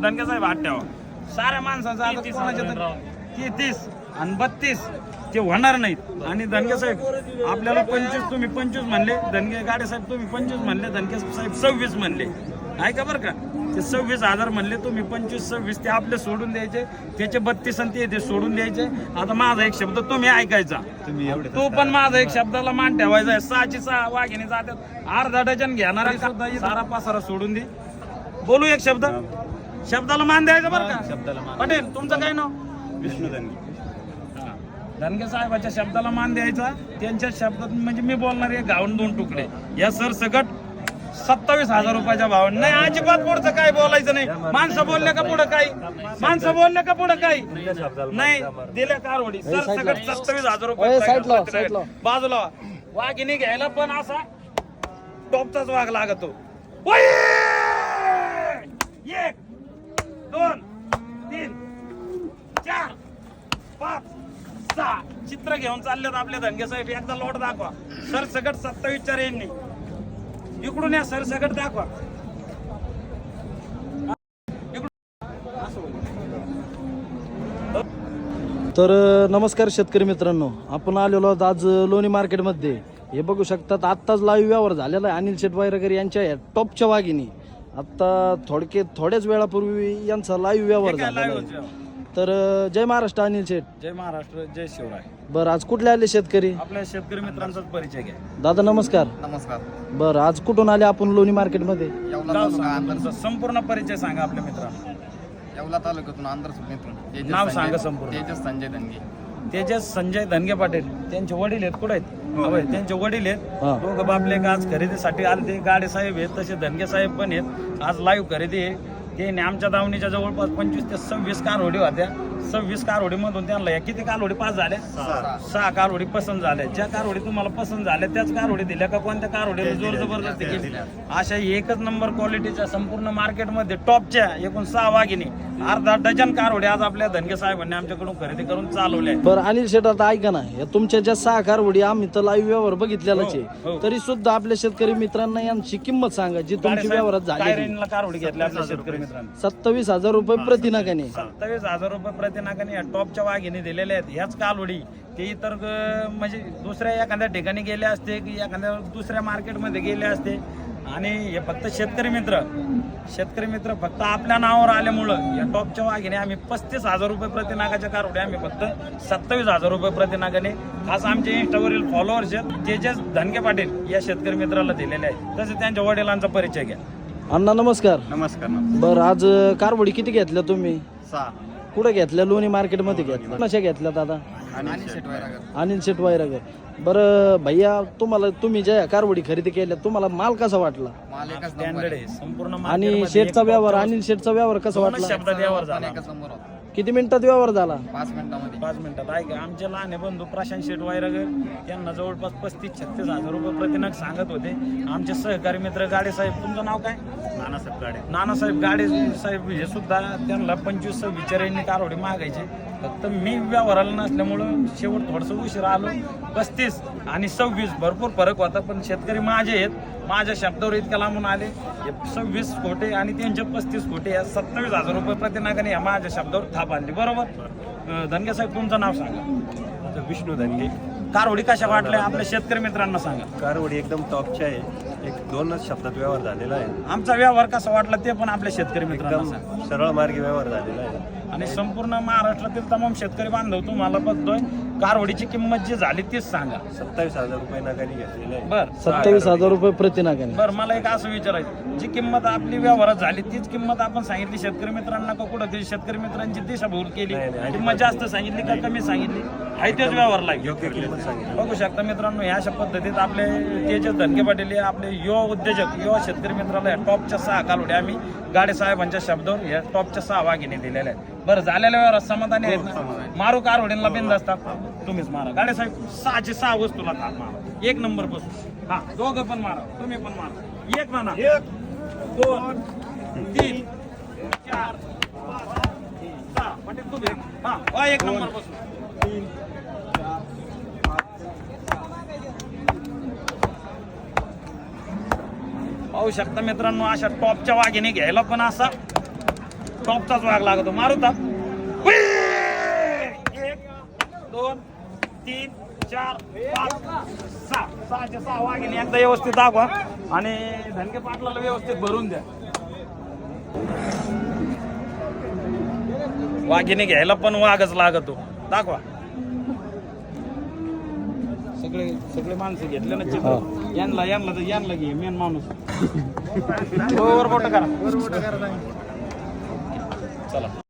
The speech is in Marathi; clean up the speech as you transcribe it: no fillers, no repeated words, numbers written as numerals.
धनगे साहेब हात ठेवा. साऱ्या माणसाचा आता कोणाच्या तर 30 आणि 32 ते होणार नाहीत. आणि धनगे साहेब आपल्याला 25 तुम्ही 25 म्हणले, धनगे गाडे साहेब तुम्ही 25 म्हणले, धनगे साहेब 26 म्हणले. ऐका बरं का, ते 26,000 म्हणले तुम्ही 25-26 ते आपले सोडून द्यायचे, त्याचे 32 आणि ते सोडून द्यायचे. आता माझा एक शब्द तुम्ही ऐकायचा, तो पण माझा एक शब्दाला मान ठेवायचा आहे. 6ची 6 वाघिणी जातात, अर्धा डझन घेणारा सुद्धा सारा पासारा सोडून दे. बोलू एक शब्द, शब्दाला मान द्यायचा बरं का. पटेल तुमचं काय नाव? विष्णू धनगे. धनगे साहेबाच्या शब्दाला मान द्यायचा. त्यांच्या शब्दात म्हणजे मी बोलणार आहे गावून 2 तुकडे या सर सकट 27,000 रुपयाच्या भावाने. नाही अजिबात पुढचं काय बोलायचं नाही. माणसं बोलले का पुढं काही, माणसं बोलले का पुढं काही नाही. दिल्या कारवडी सर सकट 27,000 रुपये बाजूला. वाघिणी घ्यायला पण असा टॉपचाच वाघ लागतो. 1 2 3 4 5 6 चित्र घेऊन चाललेत आपले धनगे साहेब. एकदा लोट दाखवा सर सकट 27च्या रेंजनी. इकडून या सर सकट दाखवा. तर नमस्कार शेतकरी मित्रांनो, आपण आलेलो आहोत आज लोणी मार्केटमध्ये. हे बघू शकतात आत्ताच लाईव्ह व्यवहार झालेला आहे अनिल शेट वायरकर यांच्या टॉपच्या वाघिणी. आता थोड्याच वेळापूर्वी यांचा लाईव्ह व्यवहार झालेला आहे. तर जय महाराष्ट्र अनिल शेठ. जय महाराष्ट्र, जय शिवराय. बरं आज कुठले आले शेतकरी? आपल्या शेतकरी मित्रांचाच परिचय घ्या. दादा नमस्कार. नमस्कार. बरं आज कुठून आले आपण लोणी मार्केटमध्ये? गाव सांगा, संपूर्ण परिचय सांगा आपल्या मित्रांना. येवला तालुक्यातून आंध्र मित्र. नाव सांगा संपूर्ण. तेजस संजय धनगे. तेजस संजय धनगे पाटील. त्यांचे वडील आहेत कुठे आहेत? त्यांचे वडील आहेत दोघं बापले. आज खरेदीसाठी आले ते. गाडे साहेब आहेत तसे धनगे साहेब पण आहेत. आज लाईव्ह खरेदी आहे. ते आमच्या दावणीच्या जवळपास 25 ते 26 कारवडी होत्या. 26 कारवडी मधून त्यांना या किती कारवडी पास झाल्या? 6 कारवडी पसंत झाल्या. ज्या कारवडी तुम्हाला पसंत झाल्या त्याच कारवडी दिल्या का कोणत्या कारवडीला जोर जबरदस्ती केली? अशा एकच नंबर क्वालिटीच्या संपूर्ण मार्केटमध्ये टॉपच्या एकूण 6 वाघिणी, अर्धा डझन कारवडी आज आपल्या धनगे साहेबांनी आमच्याकडून खरेदी करून चालवल्या. बरं अनिल शेठ आता ऐका ना, या तुमच्या ज्या 6 कारवडी आम्ही तर लाईव्ह व्यवहार बघितलेलाच आहे, तरी सुद्धा आपल्या शेतकरी मित्रांना यांची किंमत सांगा जी तुमची व्यवहारात झाली. कारवडी घेतल्या आपल्या शेतकरी मित्रांनी 27,000 रुपये प्रतिनागाने. 27,000 रुपये प्रतिनागाने या टॉपच्या वाघिणी दिलेल्या आहेत. ह्याच कालवडी ते इतर म्हणजे दुसऱ्या एखाद्या ठिकाणी गेले असते की एखाद्या दुसऱ्या मार्केटमध्ये गेले असते. आणि हे फक्त शेतकरी मित्र फक्त आपल्या नावावर आल्यामुळं या टॉपच्या वाघिणी आम्ही 35,000 रुपये प्रतिनागाच्या कारवडी आम्ही फक्त 27,000 रुपये प्रतिनागाने खास आमचे इंस्टावरील फॉलोअर्स आहेत तेजस धनगे पाटील या शेतकरी मित्राला दिलेले आहे. तसे त्यांच्या वडिलांचा परिचय घ्या. अण्णा नमस्कार. नमस्कार. बरं आज कारवडी किती घेतल्या तुम्ही? 6. कुठे घेतल्या? लोणी मार्केटमध्ये घेतल्या. कशा घेतल्या दादा? अनिल शेट वायरकर. बरं भैया तुम्ही ज्या कारवडी खरेदी केल्या तुम्हाला माल कसा वाटला? स्टँडर्ड आहे संपूर्ण. आणि शेटचा व्यवहार, अनिल शेटचा व्यवहार कसा वाटला? शब्दात व्यवहार झाला. किती मिनिटात व्यवहार झाला? 5 मिनिटामध्ये. 5 मिनिटात. ऐका आमचे लहान बंधू प्रशांत शेट वायरगर यांना जवळपास 35-36,000 रुपये प्रतिनाग सांगत होते. आमचे सहकारी मित्र गाडे साहेब. तुमचं नाव काय? नानासाहेब गाडे. नानासाहेब गाडे साहेब हे सुद्धा त्यांना 25-26 यांनी कारवडी मागायचे. फक्त मी व्यवहाराला नसल्यामुळं शेवट थोडंसं उशीर आलो. 35 आणि 26 भरपूर फरक होता. पण शेतकरी माझे आहेत, माझ्या शब्दावर इतक्या लांबून आले. 26 कोटे आणि त्यांचे 35 कोटे या 27,000 रुपये प्रतिनागाने या माझ्या शब्दावर थाप आणली. बरोबर. धनगे साहेब तुमचं नाव सांगा. विष्णू धनगे. कारवडी कशा वाटल्या आपल्या शेतकरी मित्रांना सांगा. कारवडी एकदम टॉपच्या आहे. 2च शब्दात व्यवहार झालेला आहे. आमचा व्यवहार कसा वाटला ते पण आपल्या शेतकरी मित्रांना सांगा. एकदम सरळ मार्गी व्यवहार झालेला आहे. आणि संपूर्ण महाराष्ट्रातील तमाम शेतकरी बांधव तुम्हाला बघतोय. कारवडीची किंमत जी झाली तीच सांगा. 27,000 रुपये नागाने घेतलेले आहे. बर. 27,000 रुपये प्रतिनागाने. बरं मला एक असं विचारायचं, जी किंमत आपली व्यवहारात झाली तीच किंमत आपण सांगितली शेतकरी मित्रांना का कुठं तरी शेतकरी मित्रांची दिशाभूल केली? किंमत जास्त सांगितली का कमी सांगितली? आहे तेच व्यवहारला योग्य किंमत सांगितली. बघू शकता मित्रांनो. ह्या अशा पद्धतीत आपले तेजस धनगे पाटील हे आपले युवा उद्योजक, युवा शेतकरी मित्राला या टॉपच्या 6 कालवड्या आम्ही गाडे साहेबांच्या शब्दावर या टॉपच्या 6 वाघिणी दिलेल्या आहेत. बरं झालेल्या व्यवहारात समाधानी आहेत ना? मारू कारवडींना बिंद असतात तुम्हीच मारा. गाडे साहेब 6ची 6 वस्तूला थाप मारा. 1 नंबर बसून. हा दोघं पण मारा, तुम्ही पण मारा. 1 म्हणा. 1 2 3 4 5 6 पाटील तुम्ही. हा 1 नंबर बसून. 3 पाहू शकता मित्रांनो. अशा टॉपच्या वाघिणी घ्यायला पण असा टॉपचाच वाघ लागतो. मारू ताप. 1 2 3 4 5 6 6चे 6 वाघिणी एकदा व्यवस्थित दाखवा आणि धनगे पाटलाला व्यवस्थित भरून द्या. वाघिणी घ्यायला पण वाघच लागतो. दाखवा. सगळे सगळे माणसं घेतले ना चित्र. यांना घे मेन माणूस. वर बोट करा. चला.